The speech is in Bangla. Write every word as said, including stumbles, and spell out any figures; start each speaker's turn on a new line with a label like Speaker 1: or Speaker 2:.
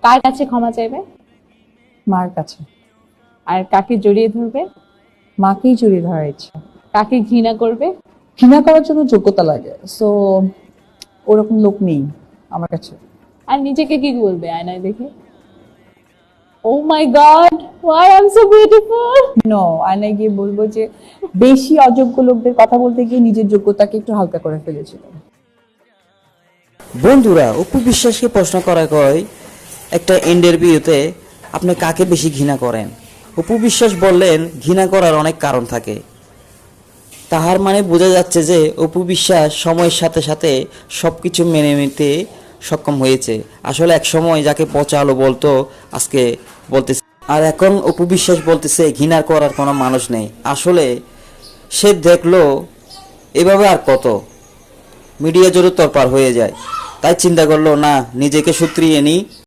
Speaker 1: কার কাছে ক্ষমা চাইবে?
Speaker 2: মার কাছে।
Speaker 1: আর কাকে জড়িয়ে ধরবে?
Speaker 2: মাকেই জড়িয়ে ধরার ইচ্ছা।
Speaker 1: কাকে ঘৃণা করবে?
Speaker 2: ঘৃণা করার জন্য যোগ্যতা লাগে, সো ওরকম লোক নেই আমার কাছে।
Speaker 1: আর নিজেকে কি বলবে আয়নায় দেখে? Oh my god, why I am so beautiful.
Speaker 2: No, আয়নায় গিয়ে বলবো যে বেশি অযোগ্য লোকদের কথা বলতে গিয়ে নিজের যোগ্যতাকে একটু হালকা করে ফেলেছিল।
Speaker 3: বন্ধুরা, অপু বিশ্বাসকে প্রশ্ন করা হয় একটা ইন্টারভিউতে আপনি কাকে বেশি ঘৃণা করেন। অপু বিশ্বাস বললেন ঘৃণা করার অনেক কারণ থাকে। তাহার মানে বোঝা যাচ্ছে যে অপু বিশ্বাস সময়ের সাথে সাথে সব কিছু মেনে নিতে সক্ষম হয়েছে। আসলে এক সময় যাকে পচা আলো বলতো আজকে বলতেছে, আর এখন অপু বিশ্বাস বলতেছে ঘৃণা করার কোনো মানুষ নেই। আসলে সে দেখলো এভাবে আর কত মিডিয়া জোরে তরপার হয়ে যায়, তাই চিন্তা করলো না নিজেকে সুত্রিয়ে নিই।